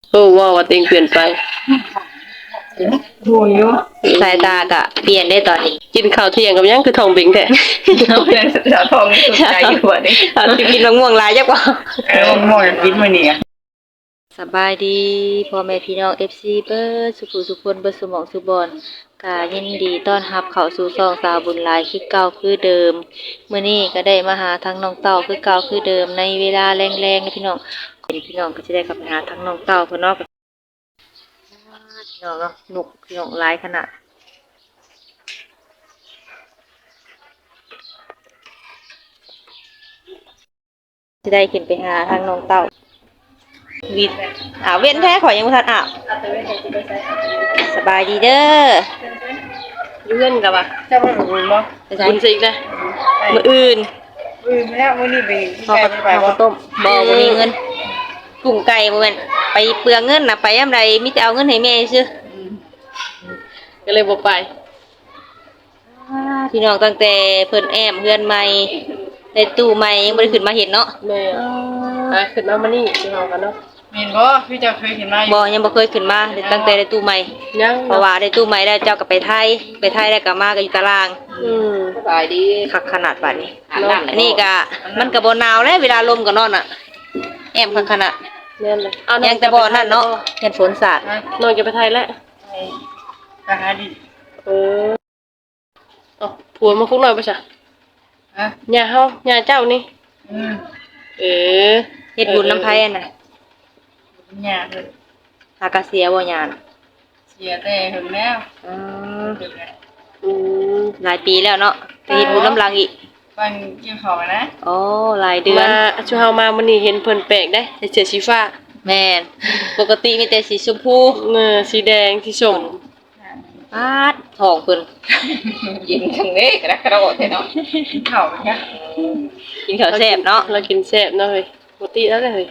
โอ้ว่าว่าตัวเองเปลี่ยนไปโหอยู่สายตากะเปลี่ยนได้ตอนนี้กินข้าวเที่ยงกับยังคือทองบิงแท้เอาเป็นสาวทองสุดใจอยู่อ่ะนี่เอาสิกินมะม่วงหลายจักว่ามะม่วงกินมื้อนี้สบายดีพ่อแม่พี่น้อง FC เบิดสุขสุขคนเบิดสมองสุบอนกายินดีต้อนรับเข้าสู่ช่องสาวบุญหลายคือเก่าคือเดิมมื้อนี้ก็ได้มาหาทั้งน้องเต้าคือเก่าคือเดิมในเวลาแรงๆนะพี่น้องพี่น้องก็จะได้กลับไปหาทั้งน้องเต้าเพิ่นเนาะพี่น้องเนาะหนุกพี่น้องหลายขนาดจะได้ขึ้นไปหาทางน้องเต้าวินเว้นแท้ขอยังบ่ทันสบายดีเด้ออยู่เงินกับว่าจะมาบุญบ่บุญสินะมื้ออื่นไม่ได้มื้อนี้ไปไปบ่ต้มบ่มีเงินกุ้งไก่บ่แม่นไปเปลืองเงินน่ะไปยามใดมีแต่เอาเงินให้แม่ซื่อก็เลยบ่ไปพี่น้องตั้งแต่เพิ่นแอมเฮือนใหม่ได้ตู้ใหม่ยังบ่ได้ขึ้นมาเห็นเนาะแม่ขึ้นมานี่สิเฮากันเนาะแม่นบ่พี่เจ้าเคยเห็นมาบ่ยังบ่เคยขึ้นมาตั้งแต่ได้ตู้ใหม่ยังเพราะว่าได้ตู้ใหม่แล้วเจ้าก็ไปไทยแล้วก็มาก็อยู่ตารางสบายดีคักขนาดบัดนี้นี่ก็มันก็บ่หนาวแล้วเวลาลมก็นอนอ่ะแอมคักขนาดแม่นเลยยังแต่บ่นั่นเนาะเห็นฝนสาดนอนจะไปไทยแล้วไปหาดิผัวมาคุกหน่อยป่ะจ๊ะย่าเฮาย่าเจ้านี่เฮ็ดบุญน้ำไผน่ะย่าเพิ่นหากะเสียบ่ย่าน่ะเสียแต่หึงแล้วหลายปีแล้วเนาะไปเฮ็ดบุญน้ำลังอีกฟังเกี่ยวของนะโอ้หลายเดือนมาชูเฮามามื้อนี้เห็นเพิ่นแปลกได้ใส่เสื้อสีฟ้าแม่นปกติมีแต่สีชมพูสีแดงสีส้มปาดทองเพิ่นกินทั้งนี้กระโดดเนาะกินข้าวนะกินข้าวแซ่บเนาะเรากินแซ่บเนาะเฮ้ยปกติแล้วเลย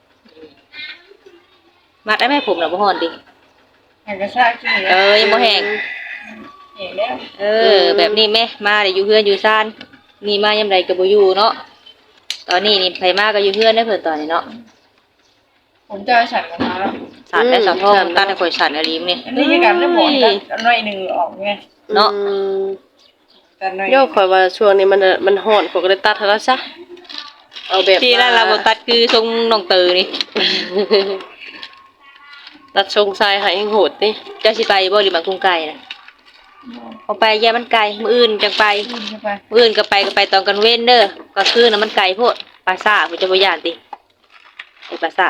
มัดได้ไหมผมน่ะบ่ฮ้อนดิแห้งกระซ่ากินยังบ่แห้งแห้งแล้วแบบนี้แม่มาได้อยู่เฮือนอยู่ซ่านนี่มายามใดก็บ่อยู่เนาะตอนนี้นี่ไผมาก็อยู่เฮือนได้เพิ่นตอนนี้เนาะผมจะสั่นกันมาแล้วสั่นได้สะท้องตั้งแต่ข่อยสั่นอลีมนี่นี่คือการได้บ่กันหน่อยนึงออกไงเนาะโยกข่อยว่าช่วงนี้มันร้อนข่อยก็เลยตัดให้แล้วซะเอาแบบที่นั่นเราบ่ตัดคือทรงน้องเตอนี่ตัดทรงทรายให้โหดนี่เจ้าสิไปบ่หรือบังกุ้งไก่น่ะเอาไปแย่มันไกลมื้ออื่นจังไปมื้ออื่นก็ไปตอนกลางเว้นเด้อก็คือน่ะมันไกลโพดปลาซ่าบ่จะบ่ย่านติไอ้ปลาซ่า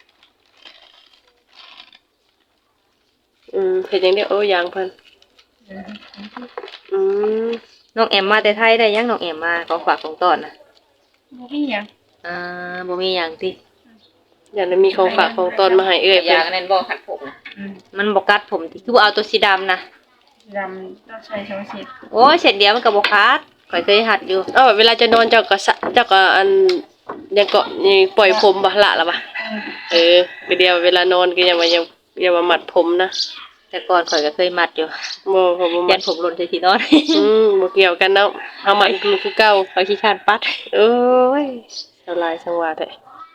เฮ็ดจังได๋อย่างเพิ่นน้องแอมมาแต่ไทยได้ยังน้องแอมมาของฝากของต้อนน่ะบ่มีหยังบ่มีหยังติอยากได้มีของฝากของต้อนมาให้เอ้ยเพิ่นอย่างนั้นบ่คัดผมมันบ่กัดผมติคือบ่เอาตัวสีดำน่ะดำต้องใช้2เส้นโอ้ยเส้นเดียวมันก็บ่ขาดข่อยเคยหัดอยู่เวลาจะนอนเจ้าก็อันยังเกาะนี่ปล่อยผมบ่ละล่ะบ่ก็เดียวเวลานอนก็อย่ามามัดผมนะแต่ก่อนข่อยก็เคยมัดอยู่บ่ผมบ่ยันผมหล่นใส่ที่นอนบ่เกี่ยวกันเนาะเฮามัดคือเก่าข่อยขี้คร้านปัดโอ้ยสลายสังวาแท้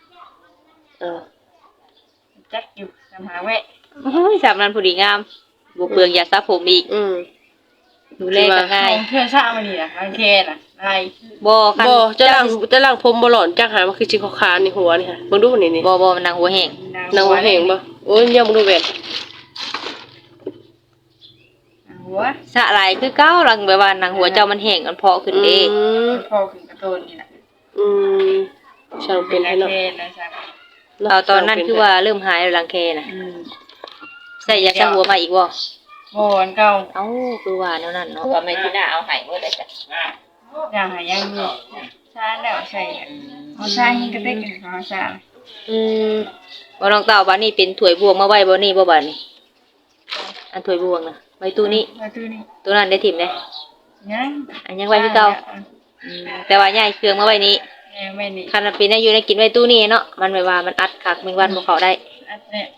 จักอยู่นำหาแวะสามนั้นผู้ดีงามบ่เปลืองยาสระผมอีกดูแลก็ง่ายเพื่อนซ่ามานี่น่ะรังแคน่ะได้บ่คันบ่จะล้างผมบ่หลอนจักหามันคือสิขาวๆนี่หัวนี่ค่ะเบิ่งดูนี่บ่มันนางหัวแห้งนางหัวแห้งบ่โอ้ยยังบ่ดูแว่นหัวสะหลายคือเก่าหลังแบบว่านางหัวเจ้ามันแห้งมันเพาะขึ้นเองพอขึ้นกระโดนนี่น่ะช่างเป็นให้เนาะตอนนั้นคือว่าเริ่มหายแล้วรังแคน่ะใส่ยาสระหัวมาอีกบ่บ่อันเก่าคือว่าแนวนั้นเนาะว่าแม่ที่น่าเอาให้เมื่อใดจ้ะอย่างหายังอยู่ชาแล้วใส่เอาชาหิกระเต็กเอาชาบ่น้องเต้าบัดนี้เป็นถ้วยบวงมาไว้บ่นี่บ่บัดนี้อันถ้วยบวงน่ะไว้ตู้นี้ตู้นั้นได้ถิ่มเด้ยังไว้คือเก่าแต่ว่าย้ายเครื่องมาไว้นี้คันเป็นอยู่ในกินไว้ตู้นี้เนาะมันไม่ว่ามันอัดคักแมงวันบ่เข้าได้อัดเนี่ย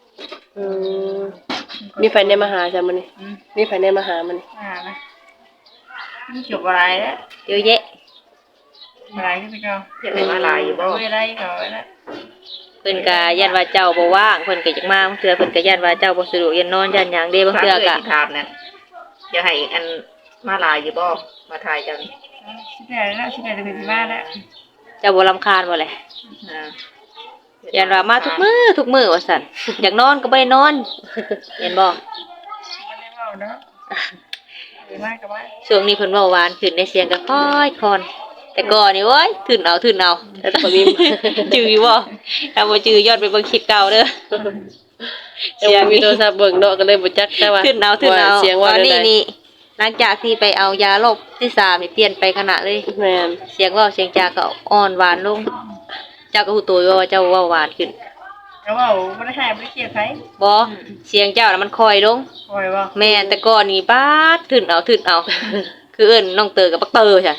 มีไฟในมหาจ้ะมื้อนี้มีไฟในมหามื้อนี้นะมีจบอะไรแล้วเยอะแยะอะไรขึ้นไปเก่าอยากได้มาหลายอยู่บ่อะไรเขาแล้วเพิ่นก็ยันว่าเจ้าบ่ว่างเพิ่นก็จักมาบางเทื่อเพิ่นก็ยันว่าเจ้าบ่สะดวกยันนอนยันหยังเด้บางเทื่อก็ถามนั่นจะให้อันมาลายอยู่บ่มาถ่ายเจ้านี่สิได้แล้วสิได้จะเป็นบ้านแล้วเจ้าบ่รำคาญบ่แหละอ่ายันว่ามาทุกมื้อว่าซั่นอยากนอนก็บ่ได้นอนเห็นบ่ไม่ได้เว้าเนาะดีมากกับว่าช่วงนี้เพิ่นเว้าหวานขึ้นในเสียงก็ค่อยคอนแต่ก่อนนี่โอ้ยทื่นเอาแต่บ่มีจื้ออยู่บ่ถ้าบ่จื้อย้อนไปเบิ่งคลิปเก่าเด้อเสียงมีโทรศัพท์เบิ่งเนาะก็เลยบ่จักแต่ว่าทื่นเอาเสียงว่าตอนได้นี้หลังจากที่ไปเอายาลบที่3นี่เปลี่ยนไปขนาดเลยแม่นเสียงเว้าเสียงจาก็อ่อนหวานลงเจ้าก็ฮู้ตัวอยู่ว่าเจ้าเว้าหวานขึ้นแล้วว่าบ่ได้หายบ่ได้เครียดไผบ่เสียงเจ้าน่ะมันคอยลงคอยบ่แม่นแต่ก่อนนี่ป๊าดทื่นเอา คือเอิ้นน้องเตอกับปักเตอจ้ะ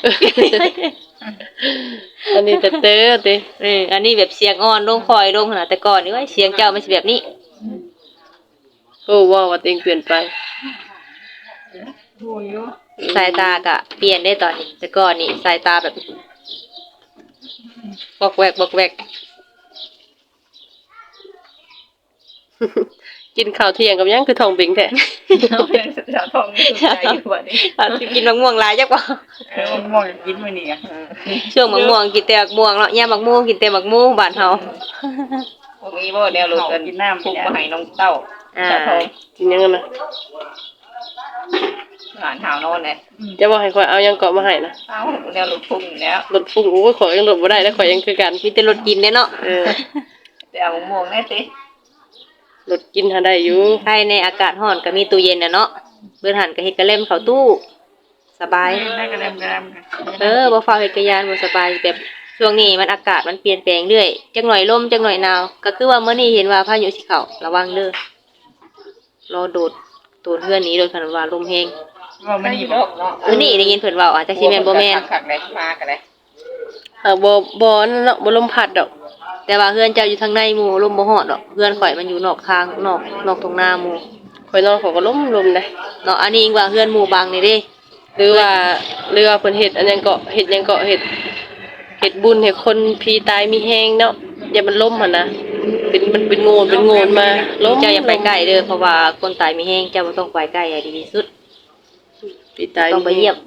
อันนี้จะเตอติอันนี้แบบเสียงอ่อนลงคอยลงขนาดแต่ก่อนนี่ว่าเสียงเจ้ามันสิแบบนี้โอ้ว้าวว่าตัวเองเปลี่ยนไปดูอยู่สายตาก็เปลี่ยนได้ตอนนี้แต่ก่อนนี่สายตาแบบบอกแวกกินข้าวเที่ยงกับหยังคือท้องเบ่งแท้เอาเป็นสาวทองนี่ใจอยู่บัดนี้เราสิกินมะม่วงหลายจักบ่มันม่วงกินมื้อนี้อ่ะช่วงมะม่วงกินแต่มะม่วงเนาะยามมะม่วงกินแต่มะม่วงบ้านเฮาพวกนี้บ่แนวรถกันกินน้ำพุกมาให้น้องเต้าอ่าชาทองกินหยังกันนะอาหารหาวนอนเลยจะบอกให้ข่อยเอาหยังเกาะมาให้นะเอ้าแนวรถพุ่งอยู่แล้วรถฟุ้งโอ้ยข่อยยังรถบ่ได้แล้วข่อยยังคือกันมีแต่รสกินเด้เนาะเออแต่เอามะม่วงแน่สิรถกินหาได้อยู่ภายในอากาศร้อนก็มีตู้เย็นน่ะเนาะเบิ่นหันก็เฮ็ดกระเล่มเข้าตู้สบายได้กระเดมกันบ่ฟ้าวเฮ็ดกระยานบ่สบายแบบช่วงนี้มันอากาศมันเปลี่ยนแปลงเรื่อยจักหน่อยลมจักหน่อยหนาวก็คือว่ามื้อนี้เห็นว่าพายุสิเข้าระวังเด้อรอโดดเฮือนหนี้โดยคันว่าลมแรงว่ามันนี่ดบ่อกเนาะมื้อนี้ได้ยินเพิ่นเว้าอาจจะสิแม่นบ่แม่นคักๆเลยมากันเลยบ่นั่นเนาะบ่ลมพัดดอกแต่ว่าเฮือนเจ้าอยู่ทางในหมู่ลมบ่ฮอดดอกเฮือนข่อยมันอยู่นอกทางนอกตรงหน้าหมู่ข่อยนอนข่อยก็ลมได้เนาะอันนี้อิงว่าเฮือนหมู่บางนี่เด้หรือว่าเพิ่นเฮ็ดอันหยังเกาะเฮ็ดหยังเกาะเฮ็ดบุญให้คนผีตายมีแฮงเนาะอย่ามันล่มหั่นนะมันเป็นโงนมาล้มเจ้าอย่าไปใกล้เด้อเพราะว่าคนตายมีแฮงเจ้าบ่ต้องไปใกล้ให้ดีที่สุดผีตายต้องไปเยี่ยม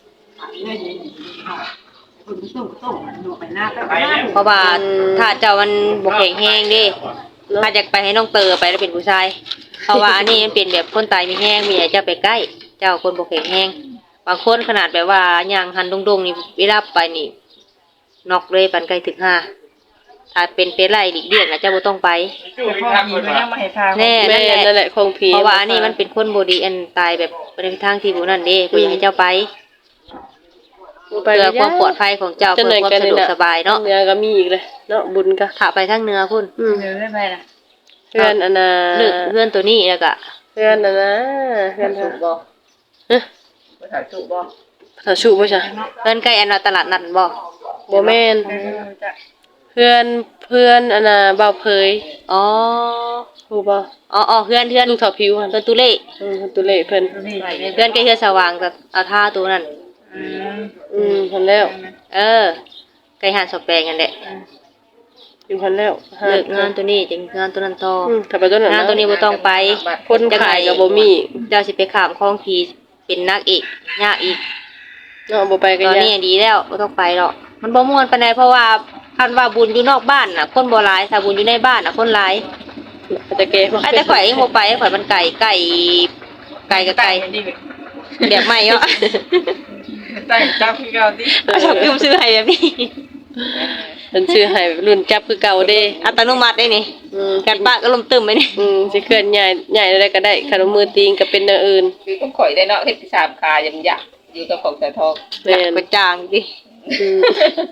เพราะว่าถ้าเจ้ามันบ่แข็งแรงเด้ถ้าอยากไปให้น้องเตอไปแล้วเป็นผู้ชายเพราะว่าอันนี้มันเป็นแบบคนตายมีแฮงมีให้เจ้าไปใกล้ เจ้าคนบ่แข็งแรงบางคนขนาดแบบว่าย่างหันดงๆนี่เวลาไปนี่นอกเลยปันไกลถึง5ถ้าเป็นไล่หลีกเลี่ยงน่ะเจ้าบ่ต้องไปแต่พอมีมันยังมาให้ทางแน่แม่นั่นแหละของผีเพราะว่าอันนี้มันเป็นคนบ่ดีอันตายแบบบ่ได้ไปทางที่บ่นั่นเด้บ่อยากให้เจ้าไปไปเพื่อความปลอดภัยของเจ้าเพื่อความสะดวกสบายเนาะเนื้อก็มีอีกเลยเนาะบุญก็ถ้าไปทางเหนือพุ่นเดินได้ไปล่ะเพื่อนอันน่ะเลือกเพื่อนตัวนี้แล้วก็เพื่อนอันนะเพื่อนสุเฮาบ่เอ๊ะไปถ่ายสุบ่ถ้าชูบ่จ้ะเพื่อนใกล้อันว่าตลาดนัดบ่บ่แม่นจะเพื่อนอันน่ะบ่าวเผยอ๋อฮู้บ่อ๋อเพื่อนลูกเฒ่าผิวหั่นเพื่อนตุเล่ตัวเล่เพิ่นนี่เพื่อนใกล้เฮือสว่างกับเอาท่าตัวนั้นเพิ่นแล้วเออใกล้หาดสแปงกันแหละอยู่เพิ่นแล้วเลิกงานตัวนี้จึงงานตัวนั้นต่อถ้าไปตัวนั้นงานตัวนี้บ่ต้องไปคนขายก็บ่มีเจ้าสิไปข้ามคลองผีเป็นนักอีกยากอีกเนาะบ่ไปก็ตอนยานี้กดีแล้วบ่ต้องไปหรอกมันบ่ม่วนปานใดเพราะว่าคันว่าบุญอยู่นอกบ้านน่ะ คนบ่หลายถ้าบุญอยู่ในบ้านน่ะคนหลายอาจจะแก่บ่ไอ้แต่ข่อยเองบ่ไปข่อยมันไก่กับไก่แบบใหม่เนาะตั้งจับคือเก่าติก็ชอบยืมซื้อให้แบบนี้เพิ่นชื่อให้รุ่นจับคือเก่าเด้อัตโนมัติได้นี่ กัดปากก็ลมตึมไปนี่สิเคลื่อนใหญ่ได้ก็ได้คันว่ามือตีงก็เป็นอย่างอื่นคือก็ข่อยได้เนาะเฮ็ดที่3คายังอยากอยู่กับของสาทองแม่นกระจางดิอืม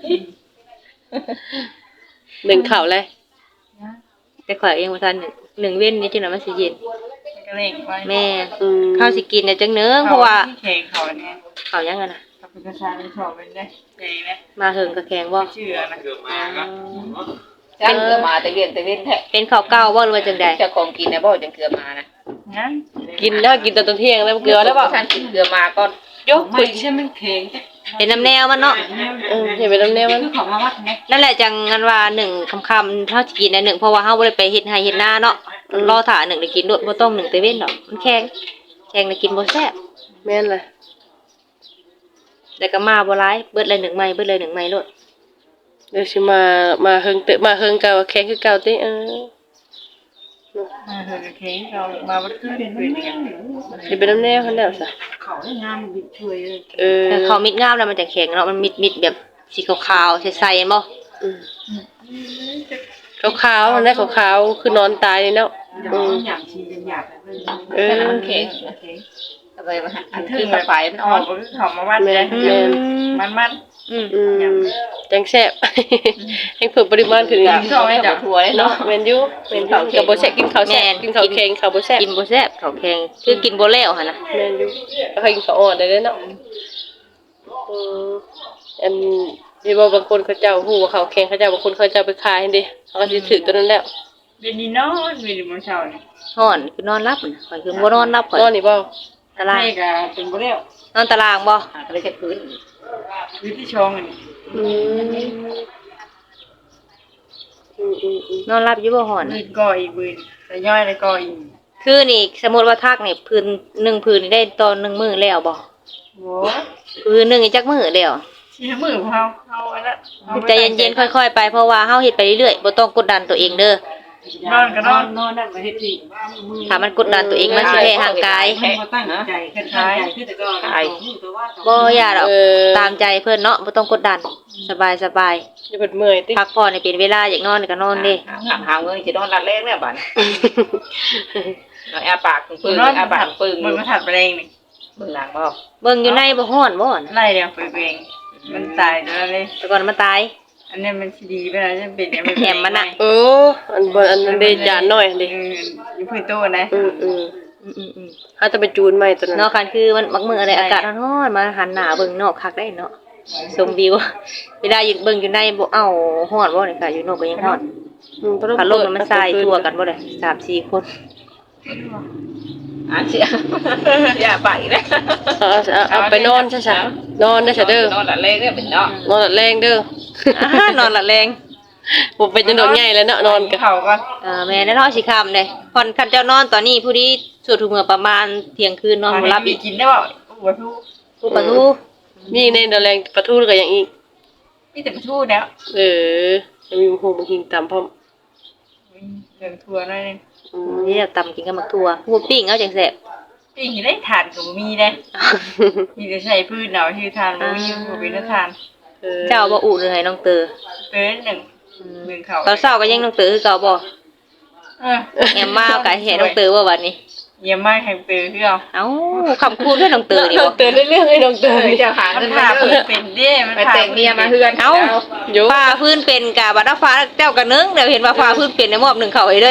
หนึ่งข่าวเลยแต่ข่อยเองบ่ทันหนึ่งเว้นนี่จังได๋มันสิเย็นก็เล่งไว้แม่อืมข้าวสิกินน่ะจังเนึงเพราะว่าแข่งเขาเนี่ยข้าวยังอะน่ะกับประชาชนชอบเป็นได้ใหญ่นะมาเฮิงก็แข็งบ่ชื่อนะจังเกือมาแต่เวียนแท้เป็นข้าวเก่าบ่หรือว่าจังได๋เจ้าของกินนะบ่จังเกือมานะงั้นกินแล้วกินตอนเที่ยงแล้วเกลือแล้วเปล่าท่านกินเกือมาก่อนยกคุยใช่มันแข็งเป็นน้ำแนวมันเนาะเห็นเป็นน้ำแนวมันคือของมาวัดไงนั่นแหละจังงันว่าหนึ่งคำๆเฮาสิกินอันหนึ่งเพราะว่าเฮาบ่ได้ไปเฮ็ดไร่เฮ็ดนาเนาะรอถ่าหนึ่งได้กินด้วยบ่ต้องหนึ่งแต่เว้นดอกมันแข็งได้กินบ่แซ่บแม่นเลยแล้วก็มาบ่หลายเบิดเลยหนึ่งไม้โลดเดี๋ยวสิมาเฮิงเตะมาเฮิงเก่าแข็งคือเก่าติมาเถอะเคเรามาวัดคือเป็นอย่างสิเป็นน้ำแนวคั่นแล้วซะเขาได้งามบิดช่วยเลยแต่เขามิดงามแล้วมันจะแข็งเนาะมันมิดแบบสีขาวๆใสๆบ่ขาวๆมันได้ขาวๆคือนอนตายนี่เนาะอย่างชีเป็นอย่างมันแข็งทำไมมันอันคือไฟมันออ่ออก นก็คือเขามาวัดเลยมันจังแซ่บให้เพิ่มปริมาณขึ้นอีกชอบให้จับถั่วเลยเนาะเนาะแม่นอยู่กับบ่แซ่บกินข้าวแซ่บกินข้าวแข็งข้าวบ่แซ่บกินบ่แซ่บเขาแข็งคือกินบ่แล้วหั่นน่ะแม่นอยู่แล้วก็กินข้าวอ่อนได้เนาะอันที่ว่าบางคนเขาเจ้าฮู้ว่าข้าวแข็งเขาเจ้าบางคนเขาเจ้าไปขายหั่นเด้เขาก็สิถือตัวนั้นแล้วเป็นนี่นอนเป็นมื้อเช้านี่ฮ้อนคือนอนรับน่ะข่อยคือบ่นอนรับข่อยนอนนี่บ่ตารางให้ก็เป็นบ่แล้วนอนตารางบ่ก็เลยจะพื้นวิธีช่องอันนี้อืมนอนรับอยู่บ่ฮ้อนบืนก่ออีกบืนแต่ย่อยแล้วก็อีกคือนี่สมมุติว่าทักนี่พื้น1พื้นนี่ได้ตอน1มื้อแล้วบ่โว้พื้นหนึงนี่จักมื้อแล้วชี้มือเขาอันนั้นใจเย็นๆค่อยๆไปเพราะว่าเฮาเฮ็ดไปเรื่อยๆบ่ต้องกดดันตัวเองเด้อนอนก็นอนนั่นมาเฮ็ดสิถ้ามันกดดันตัวเองมันสิแพ้ร่างกายบ่ตั้งใจขึ้นท้ายคือแต่ก็บ่อย่าดอกตามใจเพิ่นเนาะบ่ต้องกดดันสบายอย่าเพิ่นเมื่อยติๆพักผ่อนให้เป็นเวลาอยากนอนก็นอนเด้หาเงินจะนอนรัดแรงเนี่ยบ้านอาปากปึ้งนอนอาปากปึ้งมันมาถัดไปเองนี่มึงหลังบ่เบิ่งอยู่ในบ่ฮ้อนบ่น่ะไล่เดียวไปเองมันตายแล้วเลยแต่ก่อนมันตายอันนี้มันสิดีไปแล้วจะเป็นเนี่ยมันแหมมันน่ะเอออันนั้นเด้จานน้อยเด้อยู่พื้นโต๊ะนะอืมถ้าจะไปจูนใหม่ตัวนั้นเนาะคันคือมันมักมื้ออะไรอากาศร้อนๆมาหันหน้าเบิ่งนอกคักได้เนาะชมวิวเวลาอยู่เบิ่งอยู่ในบ่เอ้าฮ้อนบ่นี่ค่ะอยู่นอกก็ยังฮ้อนพัดลมมันใส่ทั่วกันบ่ได้3-4 คนอ่านเสียอย่าไปนะเอาไปนอนซะๆนอนได้ซะเด้อนอนรัดแรงเนี่ยเป็นเนาะนอนหลับแรงเด้อนอนละแรงบ่เป็นจังดอกใหญ่แล้วเนาะนอนก็เข่าก็แม่นเนาะสิค่ำเด้ผ่อนคันเจ้านอนตอนนี้ผู้ดีสุดทุกมื้อประมาณเที่ยงคืนนอนบ่หลับอีกกินได้บ่หัวทูผู้ประตูมีในดอกแรงปลาทูก็อย่างอีกมีแต่ทูแล้วจะมีหูมันหิงตามพร้อมเรื่องทัวร์นั่นเองนี่ตำกินกับมักทั่วผู้ปิ้งเอาจังแซ่บปิ้งได้ทานกับมีได้มีแต่ใช้พืชเนาะที่ทานบ่มีบ่เป็นทานเจ้าบ่อุเลยให้น้องเตอเป็นหนึ่งเข่าตอนเช้าก็ยังน้องเตอคือเก่าบ่แอมมาก็ให้น้องเตอว่าบัดนี้เยี่ยมมากแห่งเตอคือเอาเอ้าคำคูณด้วยน้องเตอนี่น้อบ่งเตือนเรื่องให้น้องเตือนจะหามัเงินนถามาเพิ่เพื่อนเป็นเด้มันไปแต่งเมียมาเพื่อนเอ้าอยู่ฟ้าพื้นเป็นกะบัดฟ้าเจ้าก็นึงเดี๋ยวเห็นว่าฟ้าพื้นเป็นได้มอบหนึ่งเข้าให้เลย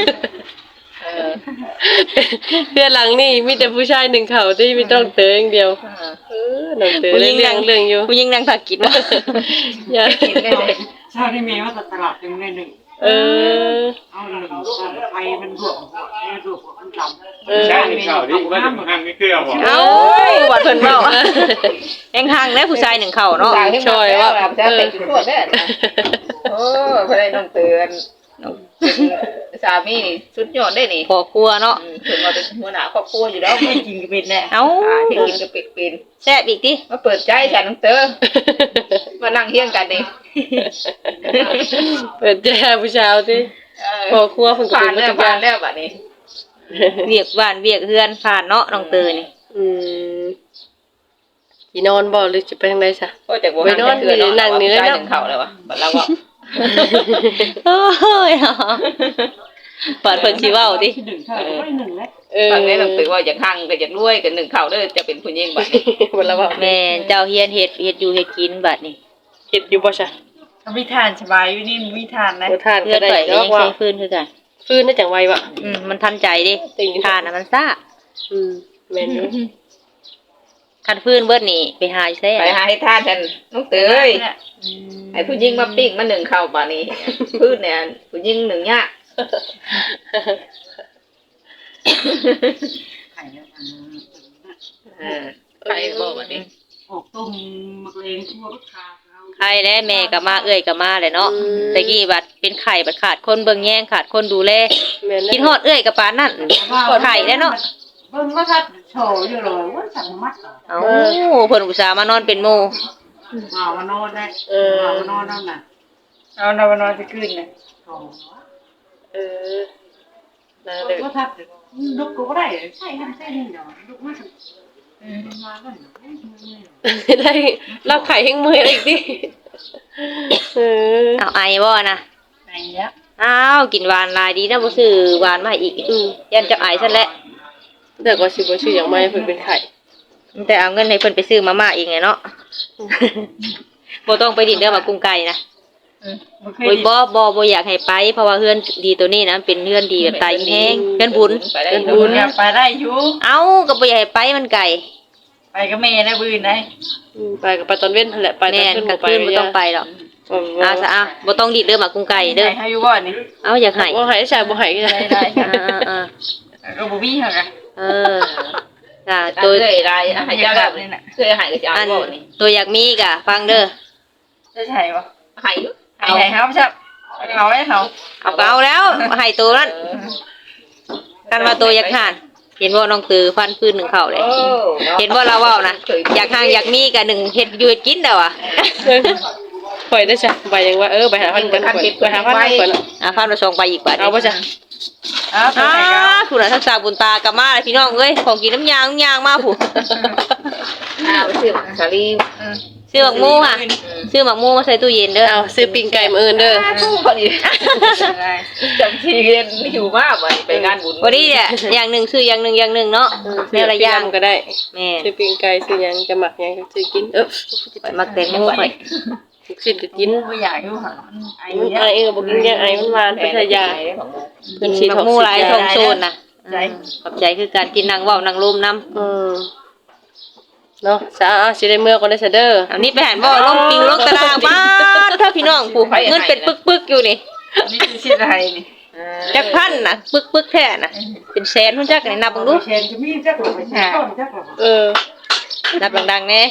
เพื่อนหลังนี่มีแต่ผู้ชายหนึ่งเขาที่มีต้องเตือนอย่างเดียวน้องเตือนเรื่องอยู่ผู้หญิงนั่งถักกินว่าอย่าชาที่เมย์ว่าตลาดหนึ่งในหนึ่งเออเอาหนึ่งไฟมันบวกมันดำใช่ข่าวที่ว่าจะมาห้างไม่เคลื่อนหรอเอ้าบัดเพิ่นเว้าแองห่างได้ผู้ชายหนึ่งเข้าเนาะช่วยว่าจะเป็นทั่วแม่โอ้เพื่อนน้องเตือนสามีนี่สุดยอดได้นี่พอครัวเนาะถึงมาเป็นหัวหน้าครอบครัวอยู่แล้วไม่กินก็เป็นแน่เอ้าที่กินก็เป็นแซ่บอีกติมาเปิดใจฉันน้องเตอมานั่งเฮี้ยงกันนี่เปิดแจ้ผู้ชายที่พอครัวคนก็ผ่าเป็น นแล้วทุกอผ่าย่าน งแล้วบัดนี้เวียกบ้านเวียกเฮือนผ่านเนาะน้องเตอนี่สินอนบ่หรือจะไปทางใดซะก็จากบ่นั่งเถื่อนนั่งนี่เลยเนาะเขาแล้ววะบัดเราว่าโอ้ยปาดเพิ่นสิเว้าติหนึ่งค่ะไม่หนึ่งแล้วฟังได้น้องเตอว่าอยากหั่งก็อยากรวยกันหนึ่งเขาเด้อจะเป็นผู้หญิงบัดนี้บ่ละว่าแม่นเจ้าเฮียนเฮ็ดอยู่เฮ็ดกินบัดนี้เฮ็ดอยู่บ่ซะวิธานสบายอยู่นี่วิธานนะบ่ทานเพื่ก็อนได้ข่อยก็เนาะยังว่าใช้ฟืนคือกันฟื้นได้จังไววะมันทันใจดิทานน่ะมันซ่าแม่นอยู่คันฟืนเบิดนี่ไปหาอยู่ไสไปหาให้ทานกันน้องเตยไอ้ผู้หญิงมาปิ้งมาหนึ่งเข้าบัดนี้พื้นเนี่ยผู้หญิงหนึ่งยะไข่แล้วใครบอกบัดนี้ไออกต้มมักเลงทั่วบักคาเอาใครและแม่ก็มาเอื้อยก็มาแหละเนาะแต่กี้บัดเป็นไข่บัดขาดคนเบิ่งแย่งขาดคนดูแลแม่นกินฮอดเอื้อยกับปานนั่นไข่แล้วเนาะเบิ่งว่าทัดโชว์อยู่เลยว่าสั่งมัดเหรอเอ้าเพิ่นอุตส่าห์มานอนเป็นหมู่เอามานอนได้เอามานอนนั่นน่ะเอานอนนอนจะขึ้นน่ะอ๋อเออนั่นเลยว่าทัดลุกก็บ่ได้ใช่นั่นใช่นี่เนาะลุกมาสิมาแล้วได้รับไข่แห้งมืออะไรอีกดิเออเอาไอบ่นะไหนแล้วอ้าวกินหวานหลายดีนะบ่ซื้อหวานมาให้อีกยันเจ้าไอซะแล้วแต่ก็สิบ่ชื่อหยังไม่เพิ่นเป็นไข่แต่เอาเงินให้เพิ่นไปซื้อมาม่าอีกไงเนาะ บ่ต้องไปดินเด้อมากุ้งไก่นะบ่เคโอ้ยยบ่อยากให้ไปเพราะว่าเฮือนดีตัวนี้นะเป็นเฮือนดีแบบตายแห้งเฮือนบุญไปได้บุบุญญอยากไปได้อยู่เอ้าก็บ่อยากให้ไปมันไกลไปก็แม่ได้บืนได้ไปก็ไปตอนเว้นนั่นแหละไปตอแม่นนขึ้นก็บ่ไปคืนบ่ต้องไปหรอกเอาซะอ่ะบ่ต้องดิดเด้อมากุ้งไก่เด้อให้อยู่บ่นี่เอาอยากให้บ่ให้ใช่บ่ให้ก็ได้ได้ได้ก็บ่มีหั่นน่ะเออจ้ะตัตัว วเคยได้ให้เจ้าได้เคยให้กับเจ้าอันบ่นี่ตัวอยากมีกะฟังเด้อจะใช่บ่ให้อยู่ให้เฮาชับเอาไว้เฮาเอาก็เอาแล้วให้ตัวนั้นกันว่าตัวอยากหานเห็นว่าน้องตือฟันพื้นหนึ่งเข่าเลย เห็นว่าเราเว้านะอยากห่างอยากมีกะหนึ่งเฮ็ดอยู่เฮ็ดกินเด้อว่ะข่อยได้จ้ะไปยังว่าไปหาพันก่อนไปหาพันก่อนฟันมาส่งไปอีกบาทเอาบ่จ้ะเอาไปให้เขาผู้น่ะทักษะบุญตากลับมาเลยพี่น้องเอ้ยของกินน้ำยางมาผู้ไปซื้อสาลีซื้อหมักหมูค่ะซื้อหมักหมูมาใส่ตู้เย็นเด้อเอาซื้อปิ้งไก่มื้ออื่นเด้อพอดีจำทีเรียนอยู่มากไปงานบุญวันนี้เนี่ยอย่างหนึ่งซื้ออย่างหนึ่งเนาะแม่ละอย่างก็ได้แม่ซื้อปิ้งไก่ซื้อหยังจะหมักหยังก็ซื้อกินไปมักแตงโมไปทุกสิ่งก็กินบ่อยากอยู่หั่นไอ้มันเนี่ยไอเองก็บ่กินยังไอมันหวานเป็นยาเพิ่นสิหมักหมูหลายทงโซนน่ะขอบใจคือการกินนางเว้านางลมน้ำเนาะซะสิได้เมื่อก่อนได้ซะเด้ออันนี้ไปหันบ่ลมปิวลงตารางบ้านถ้าพี่น้องผู้เงินเป็นปึกๆอยู่นี่นี่คือสิอะไรนี่จักพันน่ะปึกๆแท้น่ะเป็นแสนพุ่นจักนี่นับเบิ่งดูเชนจะมีจักหรอไม่ใช่ต้นจักหรอนับดังๆแน่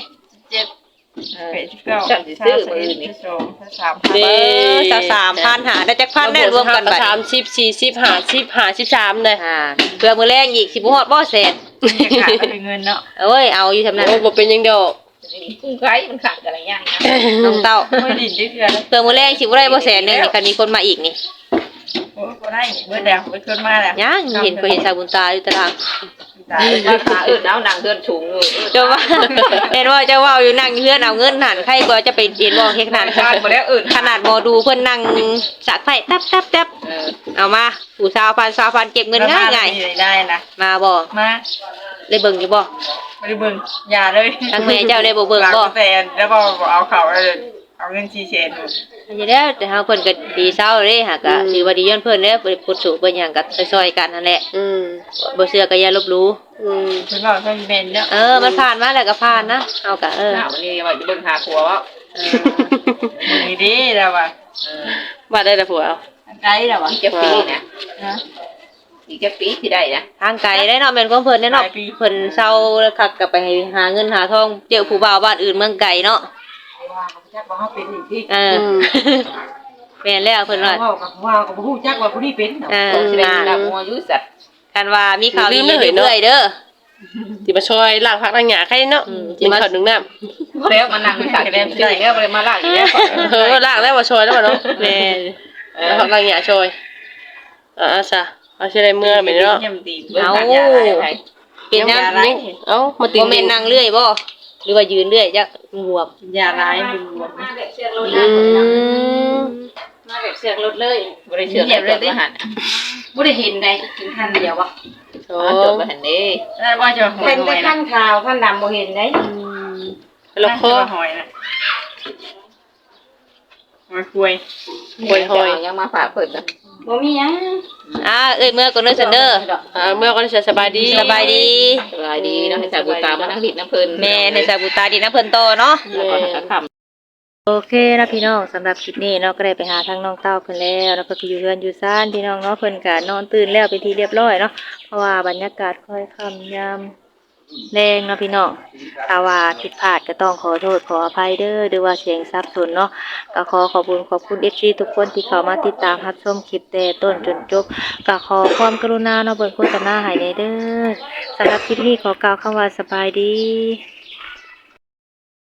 7 8 9 10 11 12 13 เด้ 23,000หาได้จักพันได้รวมกันบัด 30 40 50 53ได้เพื่อมื้อแรงอีกสิบ่ฮอดบ่แสนขาดเป็นเงินเนาะเอ้ยเอาอยู่ทำนั้นโอ้บ่เป็นหยังดอกกุ้งไก่มันขาดอะไรอย่างนะน้องเต้าไม่ดินได้เทื่อแล้วเพื่อมื้อแรงสิบ่ได้บ่แสนนึงนี่คันมีคนมาอีกนี่โอ้บ่ได้เบิดแล้วเบิดคนมาแล้วยังเห็นสาวบุญตาอยู่ตารางตายมาขาน้ำนางเกินสูงเลยเจ้าว่าเห็นว่าเจ้าว่าอยู่นั่งอยู่เฮือนเอาเงินหันใครก็จะไปเห็นบ่เฮ็ดขนาดขาดหมดแล้วอื่นขนาดหมอดูเพิ่นนั่งสักไฟตับเอามาผู้20,000เก็บเงินง่ายได้นะๆมาบ่มาได้เบิ่งอยู่บ่บ่ได้เบิ่งอย่าเลยทางแม่เจ้าได้บ่เบิ่งบ่แต่แล้วบ่เอาเขาเอาเงิน4แสนอันนี้แล้วแต่เฮาเพิ่นก็ดีเซาเด้หากก็ถือว่าดีย้อนเพิ่นเด้อบ่ได้พูดสู่เพิ่นหยังก็ซอยๆกันนั่นแหละ บ่เชื่อก็อย่าลบหลู่เพิ่นบอกเพิ่นเป็นเนาะมันผ่านมาแล้วก็ผ่านนะเฮาก็หน้าวันนี้ว่าจะเบิ่งหาผัวว่านี่ดีแล้วว่ะว่าได้แต่ผัวเอาได้แล้วว่ะอีกจะปีนะนะอีกจะปีที่ได้นะทางไกลได้เนาะแม่นของเพิ่นเนาะเพิ่นเซาแล้วคักก็ไปหาเงินหาทองเจอผู้บ่าวบ้านอื่นเมืองไกลเนาะว่ากับจักว่าเขาเป็นอีกที่แม่นแล้วเพิ่นว่าว่ากับผู้จักว่าผู้นี้เป็นเนาะสิได้ดาวมัวยุสัตว์กันว่ามีข่าวดีเรื่อยๆเด้อที่มาช่วยล้างผักล้างหญ้าใครเนาะกินข้าวนึ่งน้ำแล้วมานั่งขาดแรงใจแล้วเลยมาลากอีกแล้วล้างแล้วว่าช่วยแล้วบ่เนาะแม่นล้างผักล้างหญ้าช่วยซะเอาสิได้เมื่อแม่นเนาะย่ำดีเป็นน้ำนี่เอ้ามาติบ่แม่นนั่งเรื่อยบ่หรือว่ายืนเรื่อยจักบวมอย่าร้ายเป็นบวกมาแบบเสียงรถอืมมาแบบเสียงรถเลยบริเชื่อเลยดิหันบ่ได้เห็นได้กินคันเดียววะโอ้จบมาหันนี้แล้วว่าจะหอยเป็นหแต่อยคันขาวคันดำบ่เห็นได้แล้วคอหอยนะหอยคุยยังมาฝากเพิ่นนะบ่มีหยังเอ้ยเมื่อก่อนเด้อซันเด้อเมื่อก่อนจะสบายดีสบายดีสบายดีเนาะให้สาวบุตามานั่งดิดน้ำเพิ่นแม่ในสาบุตาดีนะเพิ่นโตเนาะแล้วก็คำโอเคนะพี่น้องสำหรับคลิปนี้เนาะก็ได้ไปหาทางน้องเต้าเพิ่นแล้วแล้วก็อยู่เรือนอยู่ซ่านพี่น้องเนาะเพิ่นก็นอนตื่นแล้วเป็นที่เรียบร้อยเนาะเพราะว่าบรรยากาศค่อยค่ำยามแรงเนาะพี่น้องถ้าว่าผิดพลาดก็ต้องขอโทษขออภัยเด้อหรือว่าเสียงสับสนเนาะก็ขอขอบคุณ FC ทุกคนที่เข้ามาติดตามรับชมคลิปแต่ต้นจนจบก็ขอความกรุณาเนาะเบิ่งโฆษณาให้แน่เด้อสำหรับคลิปนี้ขอกล่าวคำว่าสบายดี